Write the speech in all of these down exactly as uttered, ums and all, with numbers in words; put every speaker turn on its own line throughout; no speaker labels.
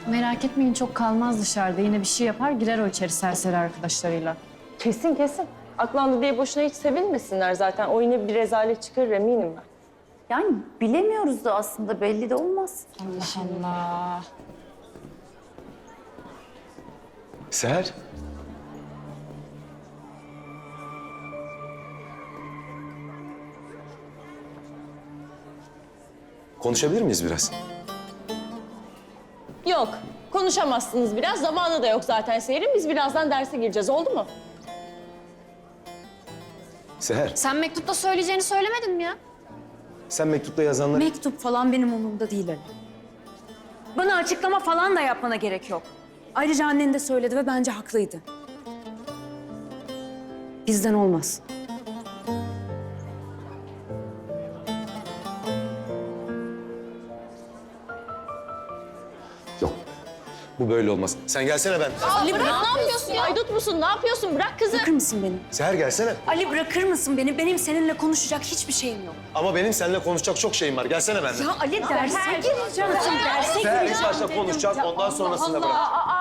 Merak etmeyin, çok kalmaz dışarıda. Yine bir şey yapar, girer o içeri serseri arkadaşlarıyla.
Kesin kesin. Aklandı diye boşuna hiç sevinmesinler zaten. O yine bir rezalet çıkarır eminim ben.
Yani bilemiyoruz da aslında, belli de olmaz.
Allah Allah.
Seher. Konuşabilir miyiz biraz?
Yok, konuşamazsınız biraz. Zamanı da yok zaten Seher'in. Biz birazdan derse gireceğiz, oldu mu?
Seher,
Sen mektupta söyleyeceğini söylemedin mi ya?
sen mektupta yazanları...
Mektup falan benim umurumda değil Ali. Bana açıklama falan da yapmana gerek yok. Ayrıca annen de söyledi ve bence haklıydı. Bizden olmaz.
Yok. Bu böyle olmaz. Sen gelsene ben.
Ali bırak, ne yapıyorsun ya? Aydut musun? Ne yapıyorsun? Bırak kızı.
Bırakır mısın beni?
Seher gelsene.
Ali bırakır mısın beni? Benim seninle konuşacak hiçbir şeyim yok.
Ama benim seninle konuşacak çok şeyim var. Gelsene benden.
Ya Ali derse gireceğim. Derse
Seher ilk
gireceğim.
başta konuşacağız, ondan sonrasında bırak.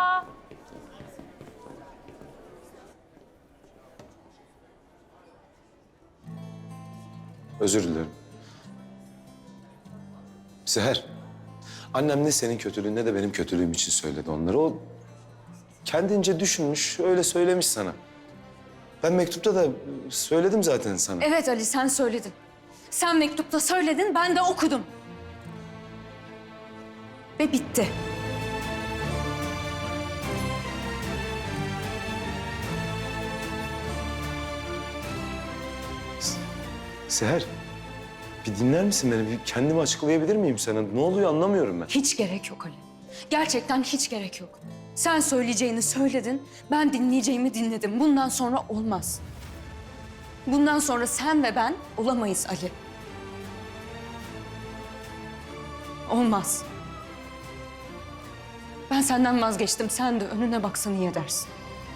Özür dilerim. Seher, annem ne senin kötülüğün ne de benim kötülüğüm için söyledi onları. O kendince düşünmüş, öyle söylemiş sana. Ben mektupta da söyledim zaten sana.
Evet Ali, sen söyledin. Sen mektupta söyledin, ben de okudum. Ve bitti.
Seher, bir dinler misin beni? Bir kendimi açıklayabilir miyim sana? Ne oluyor anlamıyorum ben.
Hiç gerek yok Ali. Gerçekten hiç gerek yok. Sen söyleyeceğini söyledin, ben dinleyeceğimi dinledim. Bundan sonra olmaz. Bundan sonra sen ve ben olamayız Ali. Olmaz. Ben senden vazgeçtim. Sen de önüne baksan iyi edersin.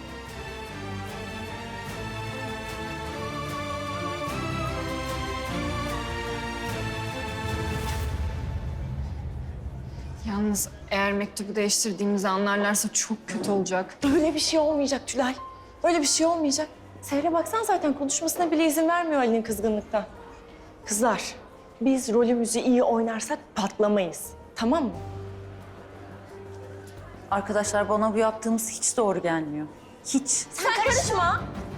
Yalnız eğer mektubu değiştirdiğimizi anlarlarsa çok kötü olacak.
Böyle bir şey olmayacak Tülay. Böyle bir şey olmayacak. Seher'e baksan zaten konuşmasına bile izin vermiyor Ali'nin kızgınlıktan. Kızlar, biz rolümüzü iyi oynarsak patlamayız. Tamam mı?
Arkadaşlar bana bu yaptığımız hiç doğru gelmiyor. Hiç.
Sen karışma.